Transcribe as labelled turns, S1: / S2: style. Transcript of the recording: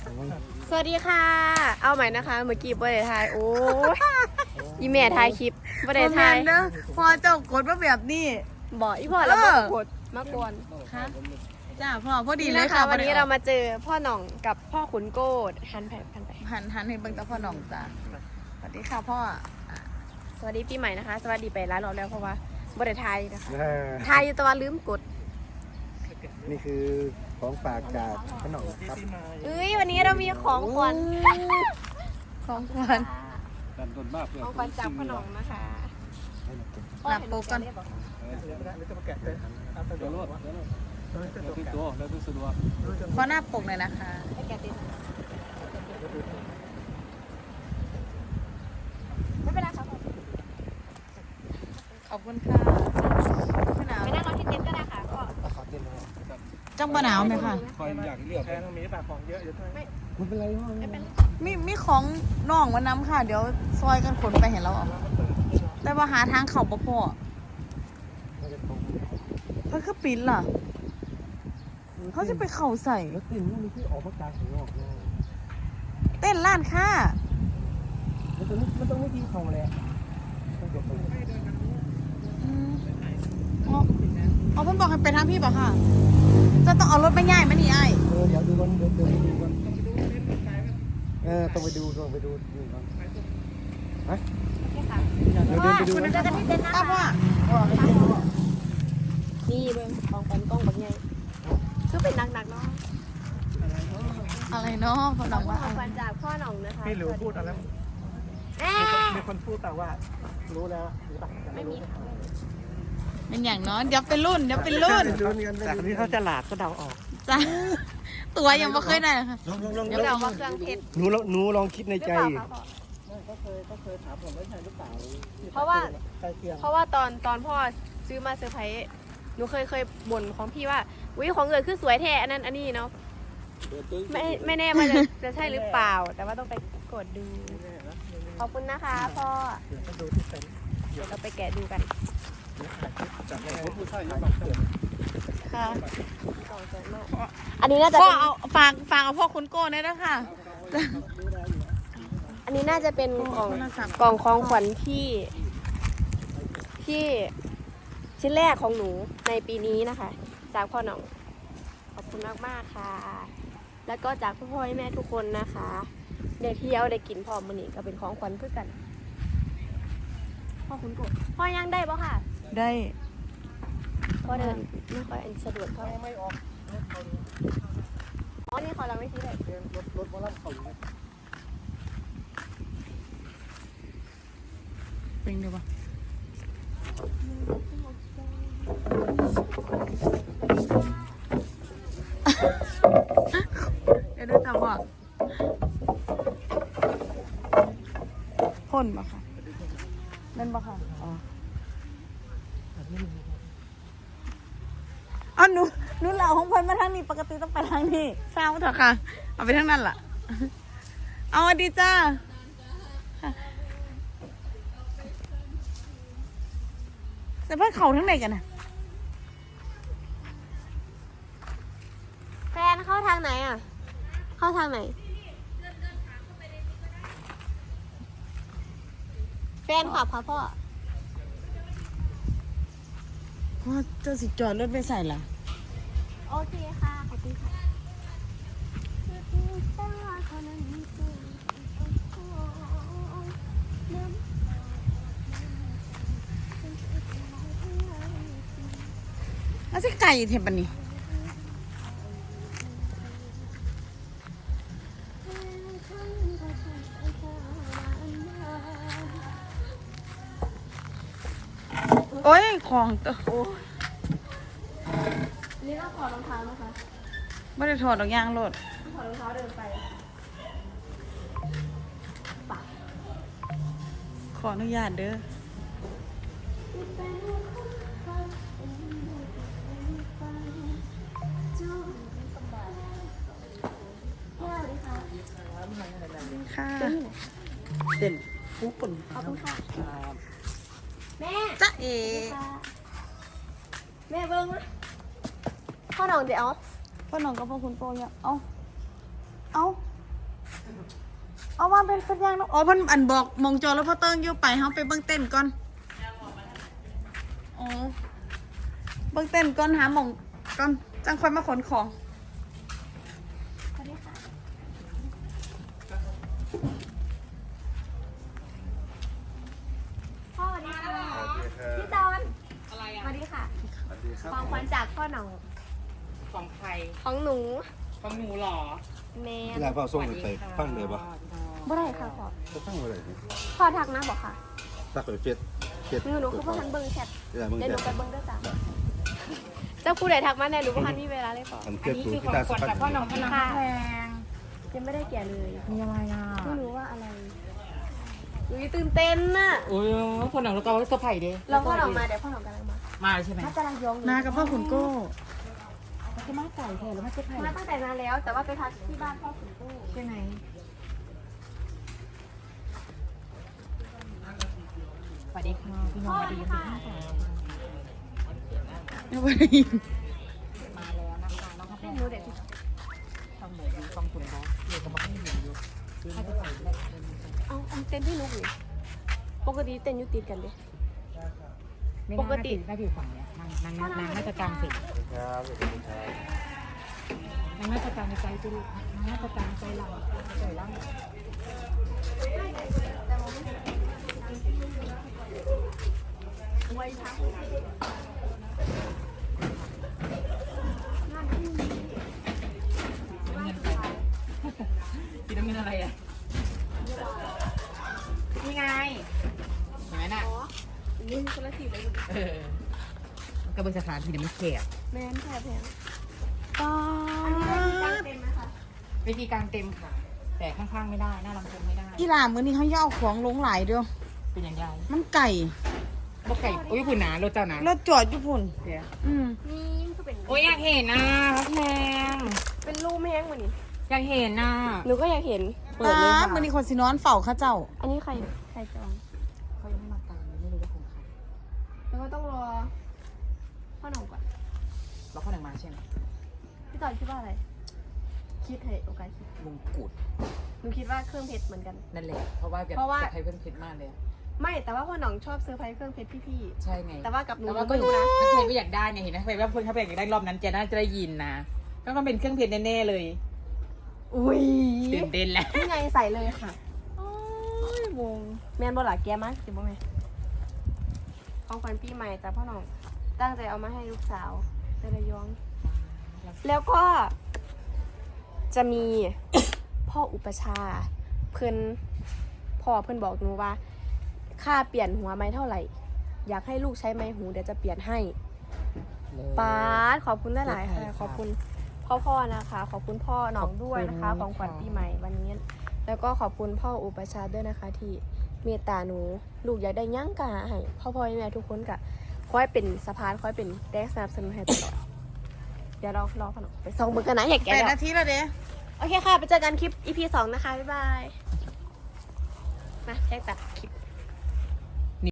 S1: สวัสดีค่ะเอาใหม่นะคะเมื่อกี้บ่ได้ถ่ายโอ้ยอีแม่ถ่ายคลิปบ่ได้ถ่าย
S2: เด้อพอเจ้ากดมาแบบนี้
S1: บอกอีพ่อแล้วบ่กดมากวน
S2: ค่ะจ้าพ่อพอดีเลยค่ะ
S1: วันนี้เรามาเจอพ่อหน่องกับพ่อขุนโกดหันไป
S2: หันให้เบิ่งตาพ่อน้องจ้าสวัสดีค่ะพ่อ
S1: สวัสดีปีใหม่นะคะ สวัสดีไปร้านเราแล้วเพราะว่าบ่ได้ถ่ายนะคะถ่ายอยู่แต่ว่าลืมกด
S3: นี่คือของฝากจากขนมครับ
S1: เอ้ยวันนี้เรามีของขวัญ
S2: ของขวัญ
S1: ของขวัญจากพ่อหน่องนะคะ
S2: หลับโปกัน พ่อหน้าปกเลยนะคะ
S1: ให้แกติดไม่เป็นไรครับผม
S2: ขอบคุณค่ะไม่หนาว
S1: ไปนั่งรอที่เต็นท์ก็ได้ค่ะก็
S3: ขอเต้นเลย
S2: จังบ่หนาวไหมคะ
S3: คอยอยากเลือกแพงมีปากของเยอะอยู่ด้วยไม่เป็นไรพ่อ
S1: ไม่เป็นไร
S2: มีของน้องมาน้ำค่ะ เดี๋ยวซอยกันขนไปเห็นเราเอาแต่ว่าหาทางเข่าบ่พอเพิ่นคือปิ้นล่ะเขาจะไปเข่าใส่
S3: แล้วติ่นมันที่ออกมาจากข้างนอกนะ
S2: เต้นล้านค่า
S3: มันต้องไม่ที่เขาเลยต้องจบไป
S2: อ๋อเพิ่นบอกให้ไปทางพี่ป่ะค่ะ จะต้องเอารถไปง่ายไหมนี่ไอ้
S3: เดี๋ยวดูก่อนเดี๋ยวไปดูก่อนต้องไปดูก่อนฮะ
S1: โอเคค่ะ
S3: เดี๋ยวเดินไปดู
S1: คุณ
S3: นะ
S1: เจอกันที่เต็นท์นะ
S2: ป้า
S1: คะ
S2: พ่อ
S1: นี่เบิ้งของขวัญกล้องแบบไงคือเป็นหนักๆเนาะ
S2: อะไรเนาะพ่อน้องว่า
S1: ของขวัญจากพ่อหน่องนะคะ
S3: พี่หลิวพูดอะไร มีคนพูดแต่ว่ารู้แล้วหรือเปล่า
S1: ไม่มี
S2: เป็นอย่างเนาะเดี๋ยวเป็นรุ่นเดี๋ยวเป็นรุ่น
S3: แต่คนนี้เขาจะหลาดก็เดาออก
S2: จ้าตัวยังไม่เคยได้เลยค่ะ
S3: ลอง
S1: เดี๋ยวเราว่าเครื่องเพชร
S3: หนูลองคิดใน
S1: หรือ
S3: ใจ
S1: เปล่าคะพ่อ
S3: ก็เคยถามผมไม่ใช่หรือเปล่า
S1: เพราะว่า
S3: ใกล้เคียง
S1: เพราะว่าตอนพ่อซื้อมาเซอร์ไพรส์หนูเคยบ่นของพี่ว่าอุ้ยของเงินคือสวยแท้อันนั้นอันนี้เนาะไม่แน่ว่าจะใช่หรือเปล่า แต่ว่าต้องไปกดดูขอบคุณนะคะพ่อ
S3: เดี๋ยวต้องดูที่เต็นท์
S1: เดี๋ยวเราไปแกะดูกัน
S3: จากในผู้ชายยังบังเกิด
S2: ค่ะ
S1: กล่องสวยมากอันนี้น่าจะ
S2: พ่อ
S1: เป็น
S2: เอาฝากเอาพ่อคุณโก้ได้แล้วค่ะ
S1: อันนี้น่าจะเป็นกล่อง
S2: โทรศัพท์
S1: กล่องของขวัญที่ชิ้นแรกของหนูในปีนี้นะคะ จากพ่อหน่องขอบคุณมากๆค่ะ แล้วก็จากพ่อแม่ทุกคนนะคะได้เที่ยวได้กินพร้อมมื้อนี้ก็เป็นของขวัญเพื่อกันพ่อคุณกบพ่อยังได้ปะค่ะ
S2: ได้
S1: พ่อเดินไม่ค่อยสะดวกเท่าไหร่
S3: ไม่ออก
S1: อ๋อนี่เขาเราไม่ที่ไหน
S3: รถมาลับเขาอยู่
S2: เป็นเดี๋ยวปะเดี๋ยวได้ตามว่าพ่นปะค่ะเล่นปะค่ะอ๋ออ๋อหนูเหล่าของพ่นมาทางนี้ปกติต้องไปทางนี้เศร้าเถอะค่ะ เอาไปทางนั้นล่ะ เอาสวัสดีจ้าแต่เพื่อนเขาทั้งไหนกันน่ะ
S1: แฟนเข้าทางไหนอ่ะ เข้าทางไหน แฟนขับค่ะพ่อ
S2: พ่อเจ้าสิจอดรถไปใส่ล่ะ
S1: โอเคค่ะ ขอบคุณค่ะ
S2: แล้วสิไก่เทปะนี่โอ้ย ของตัว
S1: นี่เราถอดรองเท้าไหมคะ
S2: ไม่ได้ถอดดอกยางรถ
S1: ถอดรองเท้าเดินไป
S2: ขออนุญาตเด้อ ค่ะ
S3: เต้นผู้ปุ่น
S1: ขอบคุณค่ะ แม่
S2: จ๊ะเอ๋
S1: แม่เบิ้งนะพ่อหน่องเดี๋ยว
S2: พ่อน้องกับพ่อคุณโกเนี่ยเอาเอาว่าเป็นสัญญาณเนาะอ๋อเพิ่นอันบอกมองจอแล้วพ่อเติ้งอยู่ไปเฮาไปเบิ่งเต้นก่อนอ๋อเบิ่งเต้นก่อนหาหม่องก่อนจังค่อยมาขนของ
S1: สวัสดีค่ะพ่อสวัสดีค่ะพี่จอนอะไรอ่ะสวัสดีค่ะของขวัญจากพ่อหนอง
S4: ของใคร
S1: ของหนู
S4: ของหนูเหรอ
S1: แม่
S5: เวลาพ่อส่งไปฟังเลยปะ
S1: บ่ได้ค่ะพ่อ
S5: ก็ฟังอะไร
S1: พ่อทักนะบอกค่ะ
S5: ถ้าเคยเฟซ
S1: หนูคือพ่อทันเบิ้งแชท
S5: เวลามึง
S1: เดี๋ยวห
S5: แต่
S1: นูไปเบิ้งด้วยจ้ะเจ้าผู้ใดทักมาแน่หนูพ่อทันมีเวลาเลยพ่อ
S5: อัน
S4: อั
S5: เกิ
S4: น
S5: ด
S4: นี้
S5: ตัว
S4: คือ
S5: ที่
S4: ของ
S5: ตา
S4: ข
S5: ส
S4: วัญ
S5: ปัน
S4: จากพ่อหนองพลังแพง
S1: ยังไม่ได้แก่เลย
S4: มีอะไรอ่ะ
S1: ไม่รู้ว่าอะไรหนูตื่นเต้นน่ะ
S4: โอ้ยพ่อหนองแล้วก็เซอร์ไพรส์ดิ
S1: เราพ่อหนองมาเดี๋ยวพ่อหนองกำลังมา
S4: มาใช่ไหม
S1: ถ้ากำลังยองอยู่
S2: มากับพ่อขุนโก้
S4: มันคือมาไก่แทนแล้วมาเซอร์ไพรส์
S1: มาตั้งแต่นานแล้ว แต่ว่าไปพักที่บ้านพ่อขุนตู้
S4: ใช่ไหมสวัสดีค่ะพี่น้องสวัสดีค่ะ
S2: ไม่ได้ยิน
S4: มาแล้วนะคะน้องครับ
S1: ให้หนูเด็ก
S4: ต้องเหมือนต้องคุณเขาเดี๋ยวก็มาให้เห็นอยู่ให้ไปใส่แรก
S1: เอาเต้นที่นุกอยู่ปกติเต้นอยุติดกันเด้
S4: ปกติน่าอยู่ฝั่งเนี้ยนางน่าจะกลางสินางน่าจะกลางในใจจุลูกนางน่าจะกลางใจเราใจร่าง
S1: ไว้พัก
S4: กินน้ำเงินอะไรอ่ะนี่ไงเห็นไหมน่ะ
S1: อ๋อนี่คนละทีเลยอยู่
S4: กระเบื้องสถานที่เนี่ยไม่แคบ
S1: แม่นแพง
S2: ป้า
S1: อันนี้ได้ที่ตั้งเต็มไหมคะ
S4: วิธีการเต็มค่ะ แต่ข้างๆไม่ได้หน้าลำโพงไม่ได้
S2: อีหล่ามื้อนี้เขาย่าเอาของลงหลายเด้อ
S4: เป็นอย่างไร
S2: มันไก่
S4: บ่ไก่โอ้ยผู้หนารถเจ้าหนา
S2: แล้วจอดอยู่พุ่น
S4: เดี๋ยว
S1: นี่มันก็เป็น
S4: โอ้ยอยากเห็นนะแพง
S1: เป็นรูปแห้งกว่านี้
S4: อยากเห็นนะ
S1: หนูก็อยากเห็น
S4: เปิดเลย
S2: ป้า
S4: ค่ะ
S2: มื้อนี้คนสินอนเฝ้าเขาเจ้า
S1: อันนี้ใครจอง
S4: เขายังไม่มาตามไม่รู้ว่าของใคร
S1: แล้วก็ต้องรอพ่อหนองก่อน
S4: แล้วเขาหนังมาใช่ไหม
S1: พี่จอนคิดว่าอะไร คิดให้โอกาสคิด
S4: มงกุฎ
S1: หนูคิดว่าเครื่องเพชรเหมือนกัน
S4: นั่นแหละเพราะว่าแบบ
S1: เพราะว่า
S4: สะพายเพื่อนเพชรมากเลย
S1: ไม่แต่ว่าพ่อหนองชอบเซอร์ไพรส์เครื่องเพชรพี่
S4: ใช่ไง
S1: ๆแต่ว่ากับหนู
S4: แต่ว่า
S1: หนู
S4: ก็
S1: ไม่รู้นะ
S4: ถ้าใครไม่อยากได้เนี่ยเห็นไหมใครว่าเพื่อนเขาอยากได้รอบนั้นเจน่าจะได้ยินนะก็ต้องเป็นเครื่องเพชรแน่ๆเลย
S1: อุ้ย
S4: ตื่นเต้นแล้ว
S1: นี่ไงใส่เลยค่ะ
S2: โอ้ยวง
S1: แมนบอลาแกมากจิบบ่แม่ของขวัญปีใหม่จากพ่อหนองตั้งใจเอามาให้ลูกสาวไประยอง แล้วก็จะมี พ่ออุปชาย์เพิ่นพ่อเพิ่นบอกหนูว่า ค่าเปลี่ยนหัวไม้เท่าไหร่ อยากให้ลูกใช้ไม้หูเดี๋ยวจะเปลี่ยนให้ป๊าดขอบคุณหลายๆค่ะขอบคุณพ่อนะคะ ขอบคุณพ่อหนองด้วยนะคะ ของขวัญปีใหม่วันนี้ แล้วก็ขอบคุณพ่ออุปชาย์ด้วยนะคะ ที่เมตตาหนูลูกอยากได้หยั่งกะให้พ่อแม่ทุกคนกะคอยเป็นสะพานคอยเป็นแรงสนับสนุนให้ตลอดเดี๋ยวเรารอขนมไปส่องมือกันนะอยากแกะ
S2: 8
S1: แล้ว
S2: นาทีแล้วเด้
S1: โอเคค่ะ ไปเจอกันคลิป EP 2 นะคะ บ๊ายบาย มาแจ้งตัดคลิป